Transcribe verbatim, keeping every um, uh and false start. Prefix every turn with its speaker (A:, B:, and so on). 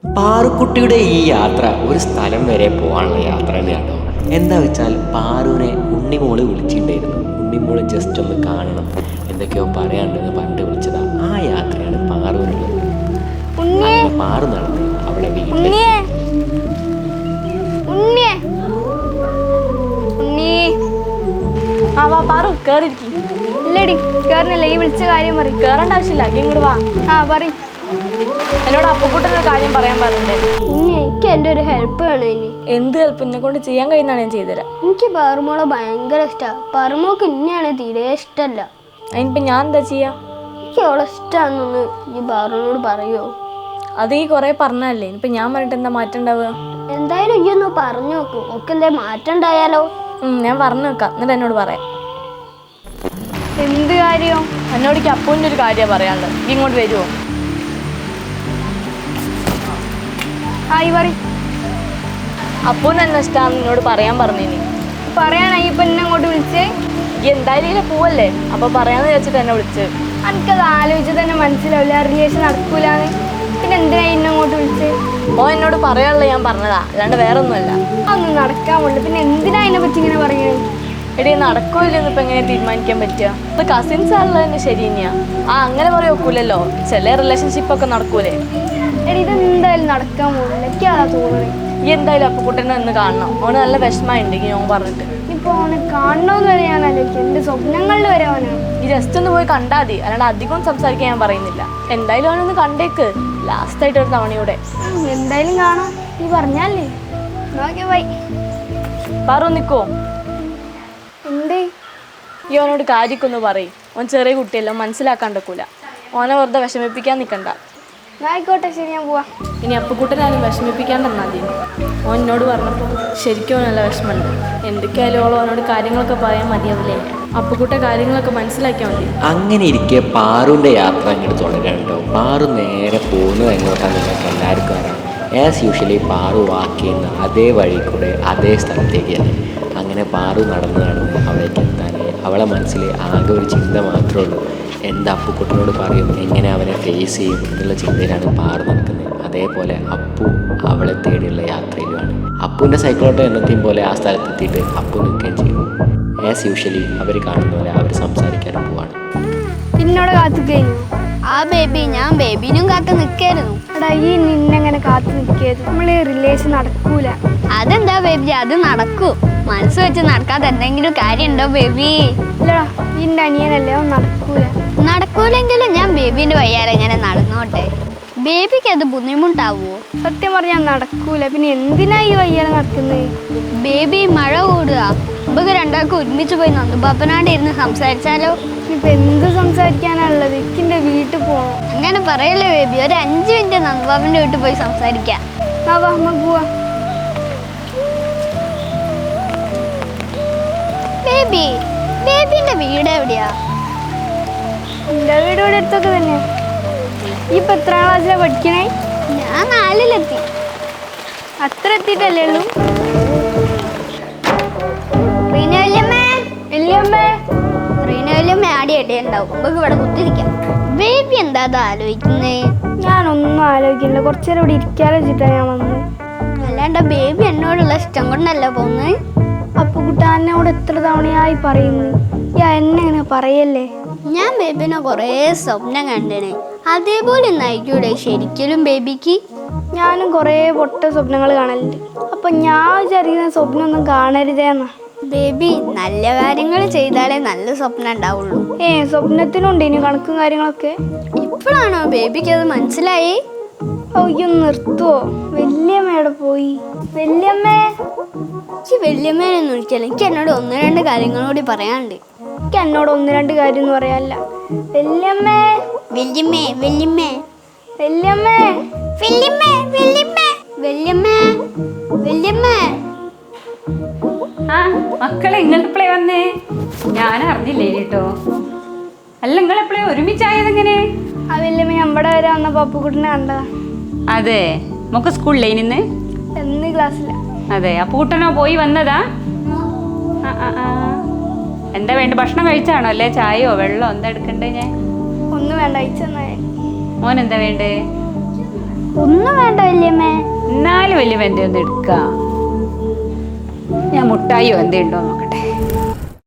A: പാറുക്കുട്ടിയുടെ ഈ യാത്ര ഒരു സ്ഥലം വരെ പോകാനുള്ള യാത്ര തന്നെയാണോ. എന്താ വെച്ചാൽ പാറുവിനെ ഉണ്ണിമോള് വിളിച്ചിട്ടുണ്ടായിരുന്നു. ഉണ്ണിമോള് ജസ്റ്റ് ഒന്ന് കാണണം, എന്തൊക്കെയോ പറയാണ്ടെന്ന് പറഞ്ഞിട്ട് വിളിച്ചതാ. ആ യാത്രയാണ് പാറുവിനുള്ളത്. പാറു നടന്ന് അവളെ വീട്ടിൽ
B: ഇല്ലടി കേറില്ല. ഈ വിളിച്ച കാര്യം പറയും. കേറേണ്ട ആവശ്യമില്ല, ഇങ്ങോട്ട് വാ. ആ പറയും. എന്നോട് അപ്പുക്കുട്ടൊരു കാര്യം പറയാൻ പറഞ്ഞില്ലേ.
C: എനിക്ക് എൻ്റെ ഒരു ഹെൽപ്പ് വേണം. ഇനി
B: എന്ത് ഹെൽപ്പ് എന്നെ കൊണ്ട് ചെയ്യാൻ കഴിയുന്നതാണ് ഞാൻ ചെയ്തുതരാം.
C: എനിക്ക് പാറുമോളെ ഭയങ്കര ഇഷ്ടമാണ്. പാറുമോൾക്ക് ഇന്നെയാണ് തീരെ ഇഷ്ടമല്ല.
B: അതിനിപ്പോ ഞാൻ എന്താ ചെയ്യാ?
C: എനിക്ക് അവളെ ഇഷ്ടമാണെന്നൊന്ന് ഈ പാറുവിനോട് പറയുമോ?
B: അത് ഈ കൊറേ പറഞ്ഞല്ലേ, ഇപ്പൊ ഞാൻ പറഞ്ഞിട്ട് എന്താ മാറ്റം ഉണ്ടാവുക?
C: എന്തായാലും ഈ ഒന്ന് പറഞ്ഞു നോക്കൂ. ഒക്കെ എന്താ മാറ്റം ഉണ്ടായാലോ?
B: ഞാൻ പറഞ്ഞു നോക്കാം, എന്നിട്ട് എന്നോട് പറയാം.
C: എന്ത് കാര്യം?
B: എന്നോട് എനിക്ക് അപ്പൂൻ്റെ ഒരു കാര്യമാണ് പറയാനുള്ളത്. നീ ഇങ്ങോട്ട് വരുമോ?
C: ആയി പറയും.
B: അപ്പൂന്ന് എന്നെ ഇഷ്ടമാണെന്ന് നിന്നോട് പറയാൻ പറഞ്ഞിനി.
C: പറയാനായി ഇപ്പൊ എന്നെ അങ്ങോട്ട് വിളിച്ചേ?
B: ഈ എന്തായാലും ഇതിലെ പോവല്ലേ, അപ്പൊ പറയാന്ന് വിചാരിച്ചിട്ട് എന്നെ വിളിച്ച്.
C: എനിക്കത് ആലോചിച്ച് തന്നെ മനസ്സിലാവില്ല, റിലേഷൻ നടക്കൂലെന്ന്. പിന്നെ എന്തിനാ എന്നെ അങ്ങോട്ട് വിളിച്ചേ?
B: ഓ എന്നോട് പറയാനുള്ളത് ഞാൻ പറഞ്ഞതാ, അല്ലാണ്ട് വേറെ ഒന്നുമല്ല.
C: അതൊന്നും നടക്കാൻ പോലും. പിന്നെ എന്തിനാ അതിനെ പറ്റി ഇങ്ങനെ പറയുന്നത്?
B: എടീ നടക്കോ ഇല്ലെന്ന് ഇപ്പൊ എങ്ങനെ തീരുമാനിക്കാൻ പറ്റുക? ഇത് കസിൻസ് ആണല്ലോ തന്നെ ശരി തന്നെയാ. ആ അങ്ങനെ പറയാൻ ഒക്കൂലല്ലോ, ചില റിലേഷൻഷിപ്പ് ഒക്കെ നടക്കൂലേ.
C: എടി ഇതെന്തായാലും നടക്കാൻ പോകില്ല, എനിക്ക് അതാ തോന്നുന്നത്.
B: ഈ എന്തായാലും അപ്പുക്കുട്ടനെ ഒന്ന് കാണണം. ഓന് നല്ല വിഷമമുണ്ട് ഈ ഓൻ പറഞ്ഞിട്ട്.
C: ഇപ്പൊ അവനെ കാണണമെന്ന് വരെ ഞാൻ ആലോചിക്കും. എന്റെ സ്വപ്നങ്ങളിൽ വരെ അവനാണ്.
B: ഈ ജസ്റ്റ് ഒന്ന് പോയി കണ്ടാൽ മതി, അല്ലാണ്ട് അധികം സംസാരിക്കാൻ ഞാൻ പറയുന്നില്ല. എന്തായാലും അവനൊന്ന് കണ്ടേക്ക്, ലാസ്റ്റ് ആയിട്ട് ഒരു തവണയൂടെ.
C: എന്തായാലും കാണാം, നീ പറഞ്ഞാലേ. Okay bye.
B: പറു നിൽക്കോ?
C: എന്തേ?
B: ഈ ഓനോട് കാര്യമൊക്കെ പറയും. ഓൻ ചെറിയ കുട്ടിയല്ലോ, മനസ്സിലാക്കാണ്ടക്കൂല. ഓനെ വെറുതെ വിഷമിപ്പിക്കാൻ നിൽക്കണ്ട.
C: ആയിക്കോട്ടെ, ശരി, ഞാൻ പോവാ.
B: ഇനി അപ്പുക്കുട്ടനാലും വിഷമിപ്പിക്കാണ്ടെന്നാ മതി. ഓൻ എന്നോട് പറഞ്ഞപ്പോൾ ശരിക്കും നല്ല വിഷമമുണ്ട്. എന്തൊക്കെയായാലും ഓളോ ഓനോട് കാര്യങ്ങളൊക്കെ പറയാൻ മതിയാവില്ലേ. അപ്പുക്കുട്ട കാര്യങ്ങളൊക്കെ മനസ്സിലാക്കിയാൽ മതി.
A: അങ്ങനെ ഇരിക്കെ പാറുവിൻ്റെ യാത്ര അങ്ങോട്ട് തുടരാനുണ്ടോ. പാറു നേരെ പോകുന്നത് എങ്ങോട്ടാണ് നിങ്ങൾക്ക് എല്ലാവർക്കും അറിയാം. ആസ് യൂഷ്വലി പാറു വാക്ക് ചെയ്യുന്ന അതേ വഴി കൂടെ അതേ സ്ഥലത്തേക്കാണ്. അങ്ങനെ പാറു നടന്ന് നടന്ന് അവിടേക്ക് എത്താൻ അവളെ മനസ്സിൽ ആകെ ഒരു ചിന്ത മാത്രമേ ഉള്ളൂ. എന്താ അപ്പുക്കുട്ടനോട് പറയും, എങ്ങനെ അവനെ ഫേസ് ചെയ്യും എന്നുള്ള ചിന്തയിലാണ് പാറു നടക്കുന്നത്. അതേപോലെ അപ്പു അവളെ തേടിയുള്ള യാത്രയിലുമാണ്. അപ്പുവിൻ്റെ സൈക്കിളോട്ടോ എന്നത്തെയും പോലെ ആ സ്ഥലത്തെത്തിയിട്ട് അപ്പു നിൽക്കുകയും ചെയ്യും. ആസ് യൂഷ്വലി അവർ കാണുന്ന പോലെ അവർ സംസാരിക്കാനും പോവാണ്.
C: എന്നോട് കാത്തു കഴിഞ്ഞു.
D: ആ ബേബി, ഞാൻ ബേബിനും കാത്തു നിൽക്കായിരുന്നു.
C: എടാ ഈ നിന്നെങ്ങനെ കാത്തു നിൽക്കായിരുന്നു. നമ്മള് റിലേഷൻ നടക്കൂല.
D: അതെന്താ ബേബി, അത് നടക്കൂ. മനസ്സ് വെച്ച് നടക്കാതെ എന്തെങ്കിലും കാര്യമുണ്ടോ ബേബി?
C: ഇല്ലടാ, നിന്റെ അനിയനല്ലേ, അവൻ നടക്കൂല.
D: നടക്കൂലെങ്കിലും ഞാൻ ബേബിന്റെ വയ്യാലെ എങ്ങനെ നടന്നോട്ടെ. ബേബിക്ക് അത് ബുദ്ധിമുട്ടാവോ?
C: സത്യം പറഞ്ഞാൽ നടക്കൂല. പിന്നെ എന്തിനാ ഈ വയ്യാലെ നടക്കുന്നത്?
D: ബേബി, മഴ കൂടുക. നമുക്ക് രണ്ടാൾക്കും ഒരുമിച്ച് പോയി നന്ദുപാപ്പനാണ്ട് ഇരുന്ന് സംസാരിച്ചാലോ?
C: ഇപ്പൊ എന്ത് സംസാരിക്കാനുള്ളത്? എനിക്കെന്റെ വീട്ടിൽ പോകണം.
D: അങ്ങനെ പറയല്ലേ ബേബി, ഒരു അഞ്ച് മിനിറ്റ് നന്ദുപാപ്പന്റെ വീട്ടിൽ പോയി സംസാരിക്കാം.
C: ആ വാ, അമ്മ പോവാ.
D: ബേബി, ബേബിന്റെ വീട് എവിടെയാ?
C: എന്റെ വീട് ഇവിടെ അടുത്തൊക്കെ തന്നെ. ഈ ഇപ്പൊ എത്രാം ക്ലാസ്സിലാണ് പഠിക്കണേ?
D: ഞാൻ നാലിലെത്തി.
C: അത്ര എത്തിയിട്ടല്ലേ ഉള്ളൂ?
D: റീന വല്യമ്മേ,
C: വല്യമ്മേ,
D: റീന വല്യമ്മ ആടി അടിയുണ്ടാവും. നമുക്ക് ഇവിടെ കുത്തിരിക്കാം. ബേബി എന്താ അത് ആലോചിക്കുന്നേ?
C: ഞാനൊന്നും ആലോചിക്കില്ല. കുറച്ചു നേരം ഇവിടെ ഇരിക്കാലോ വെച്ചിട്ടാണ് ഞാൻ വന്നത്.
D: അല്ലാണ്ട് ബേബി എന്നോടുള്ള ഇഷ്ടം കൊണ്ടല്ല പോന്ന്.
C: അപ്പുകുട്ടാനോട് എത്ര തവണയായി പറയുന്നു, യാ എന്നെ ഇങ്ങനെ പറയല്ലേ.
D: ഞാൻ ബേബിനെ കുറേ സ്വപ്നം കണ്ടേനെ. അതേപോലെ നയിക്കൂടെ ശരിക്കലും ബേബിക്ക്?
C: ഞാനും കുറേ പൊട്ട സ്വപ്നങ്ങൾ കാണലുണ്ട്. അപ്പൊ ഞാൻ വിചാരിക്കുന്ന സ്വപ്നം ഒന്നും കാണരുതേന്നാ.
D: ബേബി, നല്ല കാര്യങ്ങൾ ചെയ്താലേ നല്ല സ്വപ്നം ഉണ്ടാവുള്ളൂ.
C: ഏ സ്വപ്നത്തിനുണ്ട് ഇനി കണക്കും കാര്യങ്ങളൊക്കെ.
D: ഇപ്പോഴാണോ ബേബിക്ക് അത് മനസ്സിലായി?
C: അയ്യോ നിർത്തുവോ? വല്യമ്മയുടെ പോയി. വല്യമ്മേ,
D: എനിക്ക് വല്യമ്മേനൊന്നും വിളിച്ചാലും എനിക്ക് എന്നോട് ഒന്ന് രണ്ട് കാര്യങ്ങളോട് പറയാനുണ്ട്.
C: എനിക്ക് എന്നോട് ഒന്ന് രണ്ട് കാര്യം എന്ന് പറയാല്ല. വല്യമ്മേ,
D: വല്യമ്മേ, വല്യമ്മേ,
C: വല്യമ്മേ,
D: വല്യമ്മേ, വല്യമ്മേ, വല്യമ്മേ, വല്യമ്മേ.
E: ആ മക്കളെ, നിങ്ങളെപ്പോഴേ വന്നേ? ഞാൻ അറിഞ്ഞില്ലേ കേട്ടോ. അല്ല, നിങ്ങളെപ്പോഴേ ഒരുമിച്ചായതെങ്ങനെ?
C: ആ വല്യമ്മ നമ്മുടെ വരെ വന്ന പപ്പുക്കുട്ടിനെ കണ്ടതാ.
E: അതെ, നമുക്ക് സ്കൂളിലേ നിന്ന്?
C: എന്ന് ക്ലാസ്സില.
E: അതെ, അപ്പൂട്ടനോ പോയി വന്നതാ? ആ ആ ആ എന്താ വേണ്ട? ഭക്ഷണം കഴിച്ചാണോ? അല്ലേ ചായയോ വെള്ളമോ എന്താ എടുക്കണ്ടേ? ഞാൻ
C: ഒന്നും വേണ്ട, അയച്ചെന്നാ.
E: മോൻ എന്താ വേണ്ടേ?
C: ഒന്നും വേണ്ട വല്യമ്മ.
E: വലിയ വെന്തയൊന്നും എടുക്കാം. ഞാൻ മുട്ടായിയോ എന്തേ ഉണ്ടോ നോക്കട്ടെ.